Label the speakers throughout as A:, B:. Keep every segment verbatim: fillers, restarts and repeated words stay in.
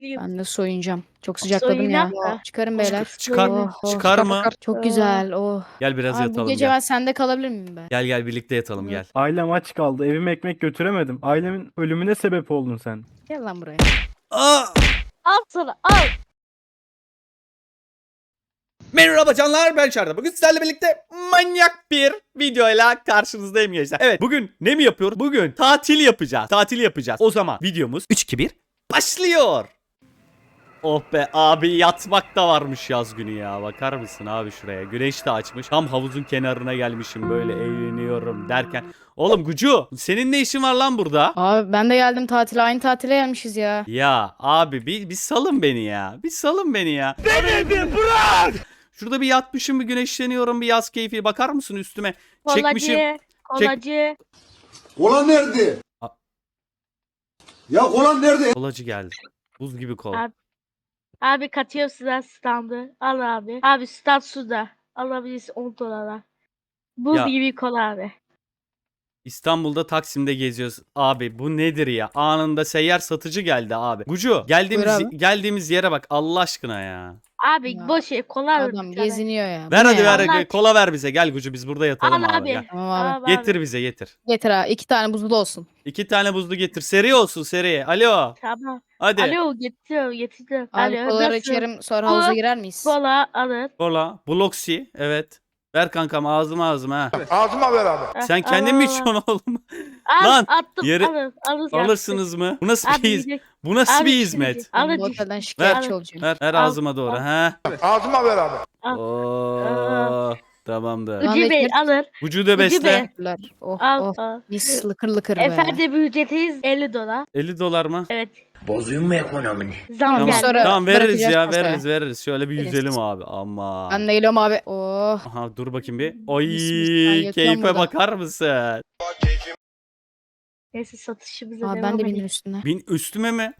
A: başlayayım.
B: Ben de soyunacağım. Çok sıcakladım
A: Soyunak
B: ya.
A: da.
B: Çıkarın beyler.
C: Çıkar,
B: Oh, oh.
C: çıkar mı?
B: Çok güzel. Oh.
C: Gel biraz
B: Abi bu
C: yatalım
B: gece
C: gel.
B: ben sende kalabilir miyim ben?
C: Gel gel birlikte yatalım
B: Evet.
C: gel.
D: Ailem aç kaldı. Evime ekmek götüremedim. Ailemin ölümüne sebep oldun sen.
B: Gel lan buraya.
C: Aa!
A: Al sana al.
C: Merhaba canlar, ben Çarda. Bugün sizlerle birlikte manyak bir videoyla karşınızdayım gençler. Evet, bugün ne mi yapıyoruz? Bugün tatil yapacağız. Tatil yapacağız. O zaman videomuz üç iki bir başlıyor. Oh be abi, yatmak da varmış yaz günü ya. Bakar mısın abi şuraya? Güneş de açmış. Tam havuzun kenarına gelmişim, böyle eğleniyorum derken. Oğlum Gucu, senin ne işin var lan burada?
B: Abi ben de geldim tatile. Aynı tatile gelmişiz ya.
C: Ya abi bir, bir salın beni ya. Bir salın beni ya. Beni bir bırak! Şurada bir yatmışım, bir güneşleniyorum, bir yaz keyfi. Bakar mısın üstüme? Çekmişim.
A: Kolacı. Kolacı.
E: Kola nerede?
C: A-
E: Ya kola nerede?
C: Kolacı geldi. Buz gibi kola.
A: Abi. Abi katıyor size standı. Al abi. Abi stand suda. Alabilirsin on dolara. Buz
C: Ya.
A: gibi kola abi.
C: İstanbul'da Taksim'de geziyoruz. Abi bu nedir ya? Anında seyyar satıcı geldi abi. Gucu, geldiğimiz
B: Buyur abi.
C: geldiğimiz yere bak Allah aşkına ya.
A: Abi
B: Ya.
A: boş ver kola al
B: Adam
A: bir tane.
B: geziniyor ya. Bu
C: Ver
B: ne
C: hadi
B: ya?
C: ver
A: Allah-
C: kola ver bize. Gel Gucu, biz burada yatalım
A: Al
C: abi.
A: abi.
C: Gel.
B: Tamam abi.
A: Al abi.
C: Getir bize getir.
B: Getir ha. İki tane buzlu olsun.
C: İki tane buzlu getir. Seri olsun seri. Alo.
A: Tamam.
C: Hadi.
A: Alo getiriyorum getiriyorum.
B: Abi
A: Alo
B: kolaları
A: nasıl?
B: içerim sonra
A: Bu-
B: havuza girer miyiz?
A: Kola alın.
C: Kola. Bloksi. Evet. Ver kankam, ağzıma ağzıma ha.
E: Ağzıma ver abi.
A: Ah,
C: Sen
A: al,
C: kendin mi
A: al, al.
C: içiyorsun oğlum?
A: Al,
C: Lan,
A: attım.
C: yere-
A: Alın, alın.
C: Alırsınız mı? Bu nasıl
A: Abi,
C: bir hiz-
A: yiyecek.
C: Bu nasıl
A: Abi,
C: bir
A: şimdi
C: hizmet?
A: yiyecek.
B: Ben
A: Alın.
B: bu otelden
A: Ver.
B: şikayetçi olacağım.
C: Ver, ver
A: Al,
C: ağzıma doğru
A: al.
C: ha.
E: Ağzıma ver abi.
A: Al.
C: Oo, tamamdır.
B: Lan
A: Ucu Bey
B: ekmek-
A: alır.
C: Vücuda
A: Ucu
C: besle.
A: Bey.
B: Teşekkürler. Oh
A: Al,
B: oh.
A: al.
B: Mis lıkır lıkır be.
A: Efendim ücretiniz elli dolar.
C: elli dolar mı?
A: Evet.
E: Bozuyum mu ekonomini?
A: Zam
B: Tamam,
A: geldi.
B: sonra-
C: Tamam veririz
B: bırakacağız
C: ya,
B: masaya.
C: veririz veririz. Şöyle bir
B: Veririz.
C: yüzelim abi. Ama.
B: Ben de geliyorum abi. Oh.
C: Aha dur bakayım bir. Oy
B: Mis mis, ben yatıyorum
C: keyfe
B: burada.
C: bakar mısın?
A: Neyse satışımıza
B: Abi
A: devam
B: ben de
A: edelim.
B: bindim üstüne.
C: Bin üstüme mi?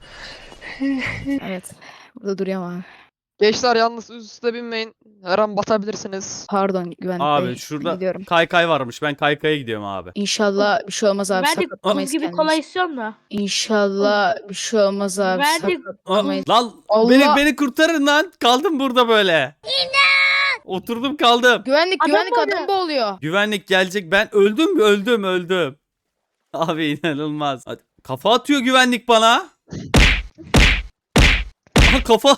B: Evet. Burada duruyorum abi.
F: Gençler yalnız üst üste binmeyin. Her an batabilirsiniz.
B: Pardon güvenlik
C: Abi
B: bey.
C: şurada
B: Gidiyorum.
C: kaykay varmış. Ben kaykaya gidiyorum abi.
B: İnşallah bir şey olmaz abi.
A: Ben de
B: Sakatlamayız
A: buz gibi
B: kendimizi.
A: kola istiyorum da.
B: İnşallah bir şey olmaz abi.
A: Ben de-
C: Aa,
B: Sakatlamayız.
C: lan
B: Allah!
C: beni beni kurtarın lan. Kaldım burada böyle. Oturdum kaldım.
B: Güvenlik
A: Adam
B: güvenlik
A: oluyor.
B: adam boğuluyor.
C: Güvenlik gelecek. Ben öldüm mü? Öldüm öldüm. Abi inanılmaz. Hadi. Kafa atıyor güvenlik bana. Aha kafa.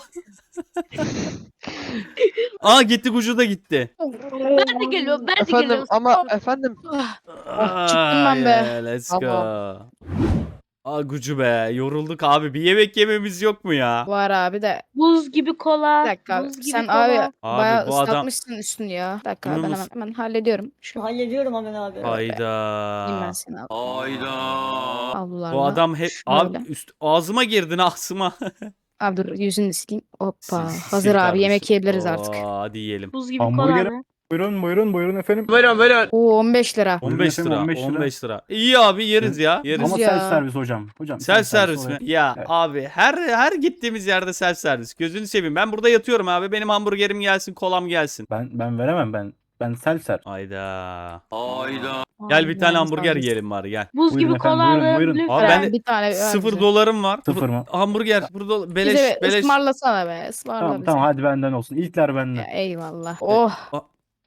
C: Aa gitti, Gucu da gitti.
A: Ben de geliyorum. Ben de
F: Efendim
A: geliyorum.
F: ama efendim
B: çıktım ben be.
C: Yeah, let's go.
F: Tamam.
C: Aa Gucu be, yorulduk abi. Bir yemek yememiz yok mu ya?
B: Var abi de.
A: Buz gibi kola.
B: Bir dakika abi.
A: Buz gibi
B: Sen
A: kola.
B: abi,
C: Abi
B: bayağı
C: bu adam-
B: ıslatmışsın üstünü ya. Bir dakika abi, ben
C: Bunun
B: hemen, hemen hallediyorum. Şu
G: Hallediyorum hemen abi.
B: Diyeyim ben
C: Hayda.
B: seni abi.
C: Hayda.
B: Avlularla.
C: Bu adam hep
B: Şöyle.
C: abi üst ağzıma girdin ağzıma.
B: Abi dur yüzünü sileyim. Hoppa.
C: Sil- sil
B: Hazır abi
C: kardeşim.
B: yemek yiyebiliriz artık.
C: Oo, hadi yiyelim.
A: Buz gibi kola
D: Hamburger-
A: abi.
D: Buyurun buyurun buyurun efendim.
B: Oo on beş lira.
D: Buyurun
C: on beş
D: efendim,
C: lira,
D: on beş lira.
C: on beş lira. İyi abi, yeriz ya. Yeriz.
D: Ama
B: ya.
D: self servis hocam. Hocam
C: Self servis mi?
D: olarak-
C: Ya
D: Evet.
C: abi her her gittiğimiz yerde self servis. Gözünü seveyim. Ben burada yatıyorum abi. Benim hamburgerim gelsin, kolam gelsin.
D: Ben ben veremem ben. Ben self servis.
C: Hayda. Hayda. Gel bir tane
B: Yalnız
C: hamburger
B: abi.
C: yiyelim bari gel.
A: Buz
D: Buyurun
A: gibi
D: efendim,
A: kola
D: buyurun,
A: alın.
D: buyurun.
A: Lütfen.
C: Abi ben de-
B: Bir tane ver
C: Sıfır
B: bize.
C: dolarım var.
D: Sıfır mı?
C: Hamburger. Burada beleş
B: Bize
C: beleş.
B: ısmarlasana be. Ismarla
D: Tamam
B: bize.
D: tamam hadi benden olsun. İlkler
B: Ya,
D: benden.
B: eyvallah. Oh.
C: Aa,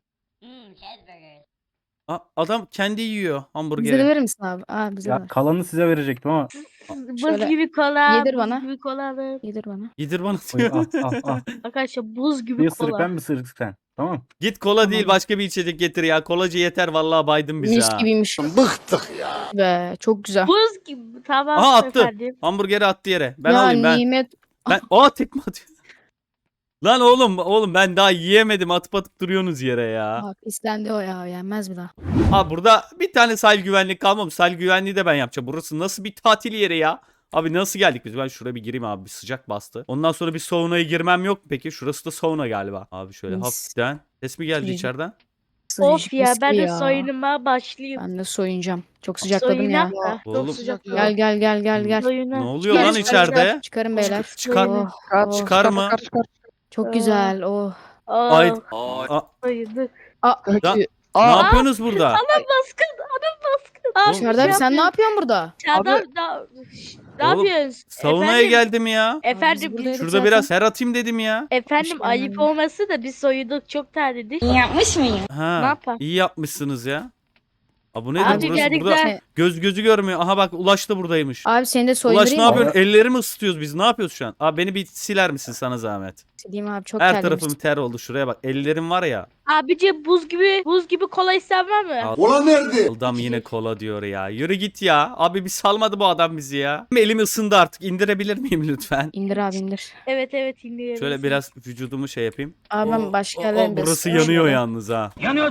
C: aa, adam kendi yiyor
B: Bize de
C: hamburgeri.
B: verir misin abi? Aa bize de.
D: Ya kalanı size verecektim ama.
A: Buz
B: Şöyle
A: gibi kola.
B: yedir
A: Buz
B: bana.
A: gibi kola alın.
B: Yedir bana.
C: Yedir bana
D: Buyur,
C: diyor.
D: al al al.
A: Arkadaşlar buz gibi
D: Bir ısırık
A: kola.
D: ben bir ısırık sen. Tamam.
C: Git kola
B: Tamam.
C: değil başka bir içecek getir ya. Kolacı yeter vallahi, baydın bizi
B: Mis
C: ha.
B: gibiymiş
E: Bıktık ya.
B: be. Çok güzel.
A: Buz gibi. Tamam
C: Aha attı.
A: efendim.
C: Hamburgeri attı yere. Ben
B: ya
C: alayım ben.
B: nimet.
C: Ben aa tekme atıyor. Lan oğlum oğlum ben daha yiyemedim, atıp atıp duruyorsunuz yere ya.
B: Bak istendi o ya. Yenmez bir daha.
C: Abi burada bir tane sahil güvenlik kalmamış. Sahil güvenliği de ben yapacağım. Burası nasıl bir tatil yeri ya? Abi nasıl geldik biz? Ben şuraya bir gireyim abi. Bir sıcak bastı. Ondan sonra bir saunaya girmem yok mu peki? Şurası da sauna galiba. Abi şöyle
B: Mis.
C: hafiften. Ses mi geldi
B: Mis.
C: içeriden?
A: Of
B: Sıcacık
A: ya
B: mis
A: ben
B: gibi
A: de
B: ya.
A: soyunuma başlayayım.
B: Ben de soyunacağım. Çok sıcakladım ya.
A: Soyunak da.
C: Oğlum.
A: Çok sıcak.
B: Gel gel gel gel gel.
A: Soyunak.
C: Ne oluyor
B: Çıkar,
C: lan
B: çıkar,
C: içeride?
B: çıkar. Çıkarın beyler.
C: Çıkar.
B: Oh,
F: çıkar,
B: oh.
C: Çıkar mı?
F: çıkar, çıkar.
B: Çok
A: Aa.
B: güzel. Oh.
A: Aa,
C: Ay. Aa,
A: soyunduk.
C: Da-
F: Peki.
C: ne
F: Aa,
C: yapıyorsunuz burada?
A: Adam baskın. Adam baskın. Abi,
B: Serdar abi
A: şey
B: sen ne
A: yapıyorsun?
B: yapıyorsun burada?
A: Serdar
F: Abi-
A: da- Şş, ne
C: Oğlum,
A: yapıyorsun?
C: Savunmaya
A: Efendim?
C: geldim ya.
A: Efendim,
B: buradaydık
A: biz-
C: Şurada
B: zaten.
C: biraz her atayım dedim ya.
A: efendim
B: Hoş
A: ayıp
B: geldin.
A: olması da biz soyunduk çok terledik.
G: Yapmış mıyım?
C: Ha,
A: Ne yapalım?
C: iyi yapmışsınız ya. Aa, bu nedir?
A: Abi
C: Burası
A: gerçekten-
C: burada göz gözü görmüyor. Aha bak Ulaş da buradaymış.
B: Abi seni de
C: Ulaş
B: soyundurayım
C: ne
B: mı?
C: yapıyorsun? Ellerimi ısıtıyoruz biz. Ne yapıyoruz şu an? Abi beni bir siler misin sana zahmet?
B: Sileyim abi çok
C: Her
B: terlemiş.
C: tarafım ter oldu. Şuraya bak. Ellerim var ya.
A: Abici buz gibi buz gibi kola istemem mi?
C: Al.
E: Ulan nerede?
C: Adam yine kola diyor ya. Yürü git ya. Abi bir salmadı bu adam bizi ya. Elim ısındı artık. İndirebilir miyim lütfen?
B: İndir abi indir.
A: Evet evet dinliyorum.
C: Şöyle biraz vücudumu şey yapayım.
B: Abi ben başka yerden biraz-
C: Burası yanıyor yalnız ha.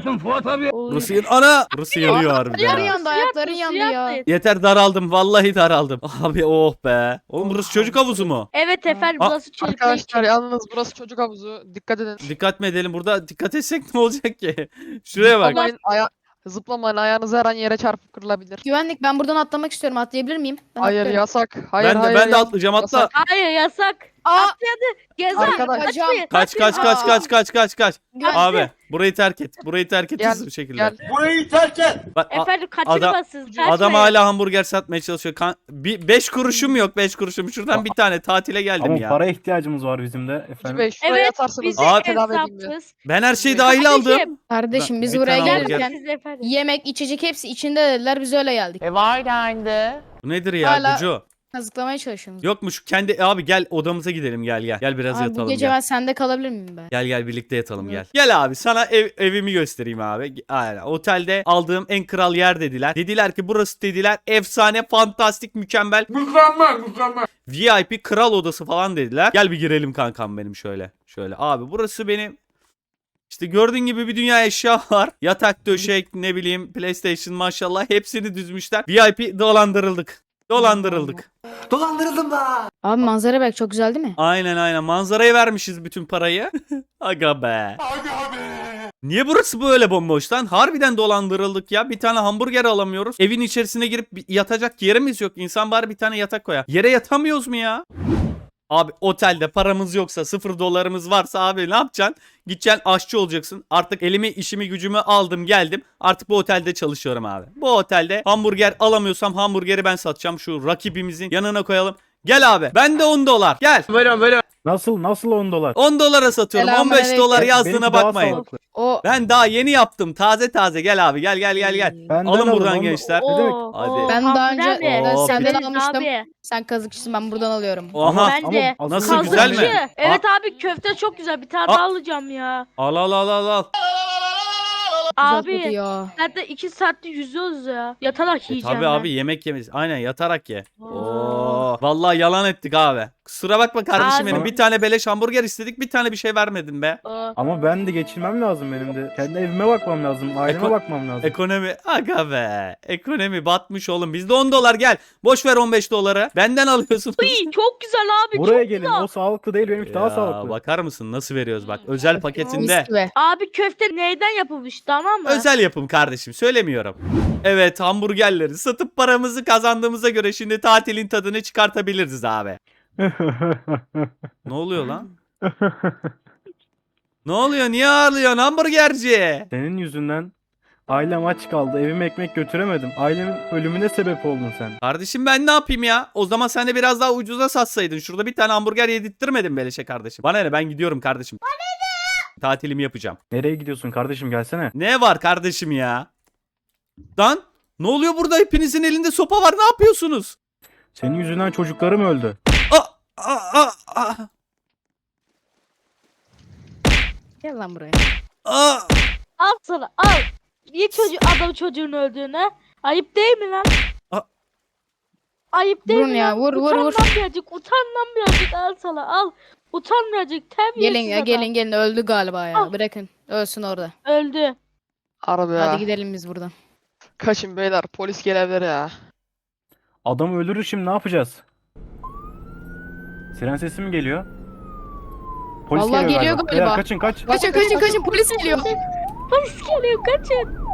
A: Oy.
C: Burası yan Ana! Burası yanıyor harbiden.
B: Ayakların
C: ha.
B: yandı ayakların yandı
A: Suya
B: ya.
A: atlayın.
C: Yeter daraldım. Vallahi daraldım. Abi oh be. Oğlum burası çocuk havuzu mu?
A: Evet efendim
C: Aa,
A: burası çocuklar
F: Arkadaşlar
A: için.
F: yalnız burası çocuk havuzu. Dikkat edin.
C: Dikkat mi edelim burada? Dikkat etsek ne olacak ki? Şuraya bak.
F: Zıplamayın, aya zıplamayın ayağınız her an yere çarpıp kırılabilir.
B: Güvenlik ben buradan atlamak istiyorum atlayabilir miyim? Ben
F: Hayır
B: atlıyorum.
F: yasak. Hayır
C: Ben de
F: hayır.
C: ben de
F: yasak.
C: atlayacağım atla.
F: Yasak.
A: Hayır yasak.
B: Aa!
A: Gezer.
F: Arkadaş-
A: Kaçmayın.
C: Kaç kaç kaç
B: Aa.
C: kaç kaç kaç kaç.
B: Güvenlik-
C: Abi burayı terk et. Burayı terk et
F: Gel,
C: hızlı bir şekilde.
F: Gel.
E: Burayı terk et.
C: Bak, a-
A: Efendim kaçırmasın.
C: adam hala hamburger satmaya çalışıyor. Kan bir beş kuruşum yok beş kuruşum. Şuradan bir tane tatile geldim
D: Ama
C: ya.
D: para ihtiyacımız var bizim de
F: Hacı
D: efendim.
F: Bey şuraya
A: Evet
F: yatarsanız
A: bizi
C: Abi-
F: tedavi edeyim ya.
A: hesapsız.
C: Ben her şeyi
F: Kardeşim.
C: dahil aldım.
B: Kardeşim biz
C: Bir
B: buraya
C: tane hamburger.
B: gelirken
A: Siz efendim.
B: yemek içecek hepsi içinde dediler biz öyle geldik.
H: E var dendi.
C: Bu nedir ya
B: Hala-
C: Gucu?
B: Kazıklamaya çalışıyorsunuz.
C: Yok mu şu kendi abi gel odamıza gidelim gel gel. Gel biraz
B: Abi bu
C: yatalım
B: gece
C: gel.
B: ben sende kalabilir miyim be?
C: Gel gel birlikte yatalım gel.
B: Evet.
C: Gel abi sana ev, evimi göstereyim abi. Aynen. Otelde aldığım en kral yer dediler. Dediler ki burası dediler efsane, fantastik, mükemmel.
E: Mükemmel mükemmel.
C: V I P kral odası falan dediler. Gel bir girelim kankam benim şöyle. Şöyle abi burası benim. İşte gördüğün gibi bir dünya eşya var. Yatak, döşek, ne bileyim PlayStation maşallah hepsini düzmüşler. V I P dolandırıldık. Dolandırıldık.
E: Dolandırıldım da.
B: Abi manzara bak çok güzel değil mi?
C: Aynen aynen manzaraya vermişiz bütün parayı. Aga be.
E: Aga be.
C: Niye burası böyle bomboş lan? Harbiden dolandırıldık ya. Bir tane hamburger alamıyoruz. Evin içerisine girip bir yatacak yerimiz yok. İnsan bari bir tane yatak koyar. Yere yatamıyoruz mu ya? Abi otelde paramız yoksa, sıfır dolarımız varsa abi ne yapacaksın? Gideceksin aşçı olacaksın. Artık elimi işimi gücümü aldım geldim. Artık bu otelde çalışıyorum abi. Bu otelde hamburger alamıyorsam hamburgeri ben satacağım. Şu rakibimizin yanına koyalım. Gel abi. Ben de on dolar. Gel.
D: Nasıl nasıl on dolar?
C: on dolara satıyorum. on beş
B: Selamünaleyküm.
C: dolar
D: Benimki
C: yazdığına
D: daha
C: bakmayın.
D: sağlıklı.
B: O
C: Ben daha yeni yaptım. Taze taze. Gel abi. Gel gel gel gel.
D: Benden
C: Alın
D: alın,
C: buradan
D: on-
C: gençler.
D: Ne demek?
A: Oo,
C: Hadi.
A: oo,
B: Ben daha önce-
A: hamburger mi?
C: ben
B: senden
A: Biliriz
B: almıştım.
A: Abi.
B: sen kazıkçısın ben buradan alıyorum.
C: Oha.
A: Ben de.
D: Ama
C: Nasıl,
D: asıl
C: güzel mi?
A: Kazıkçı. Evet abi köfte çok güzel. Bir tane
C: Aa.
A: daha alacağım ya.
C: Al al al al al.
B: Güzel
A: Abi.
B: kokuyor.
A: Zaten iki saatte yüzüyoruz ya. Yatarak
C: E,
A: yiyeceğim
C: tabii
A: ben.
C: abi yemek yemez. Aynen yatarak ye.
A: Oo.
C: Oo. Vallahi yalan ettik abi. Kusura bakma kardeşim
A: Abi.
C: benim. Bir tane beleş hamburger istedik. Bir tane bir şey vermedin be.
A: Oo.
D: Ama ben de geçinmem lazım benim de. Kendi evime bakmam lazım. Aileme
C: Eko-
D: bakmam lazım.
C: Ekonomi aga be. Ekonomi batmış oğlum. Bizde on dolar gel. Boş ver on beş doları. Benden alıyorsunuz.
A: Uy, çok güzel abi.
D: Buraya
A: çok
D: gelin.
A: güzel.
D: O sağlıklı değil benimki daha
C: Ya,
D: sağlıklı.
C: bakar mısın nasıl veriyoruz bak. Özel paketinde.
B: Mis gibi.
A: Abi köfte neyden yapılmış tamam mı?
C: Özel yapım kardeşim söylemiyorum. Evet hamburgerleri satıp paramızı kazandığımıza göre şimdi tatilin tadını çıkartabiliriz abi. Ne oluyor lan? Ne oluyor? Niye ağırlıyorsun hamburgerci?
D: Senin yüzünden ailem aç kaldı. Evime ekmek götüremedim. Ailemin ölümüne sebep oldun sen.
C: Kardeşim ben ne yapayım ya? O zaman sen de biraz daha ucuza satsaydın. Şurada bir tane hamburger yedirttirmedin beleşe kardeşim. Bana ne ben gidiyorum kardeşim. Tatilimi yapacağım.
D: Nereye gidiyorsun kardeşim gelsene.
C: Ne var kardeşim ya? Lan ne oluyor burada? Hepinizin elinde sopa var. Ne yapıyorsunuz?
D: Senin yüzünden çocuklarım öldü.
C: Aa, aa, aa, aa,
B: Gel lan buraya.
C: aa.
A: Al sana al. Niye çocuğu, adam çocuğun öldüğüne? Ayıp değil mi lan?
C: A-
A: Ayıp değil
B: Vurun
A: mi
B: ya,
A: lan?
B: vur, vur,
A: utan
B: vur.
A: lan birazcık, utan lan birazcık al sana al. Utan birazcık terbiyesiz
B: Gelin ya
A: adam.
B: gelin gelin öldü galiba ya.
A: Al.
B: Bırakın ölsün orada.
A: Öldü.
F: Harbi ya.
B: Hadi gidelim biz buradan.
F: Kaçın beyler polis gelebilir ya.
D: Adam öldürür şimdi ne yapacağız? Siren sesi mi geliyor? Polis
B: Vallahi geliyor galiba.
D: Beyler kaçın kaç.
B: Kaçın kaçın kaçın polis geliyor.
A: Polis geliyor kaçın.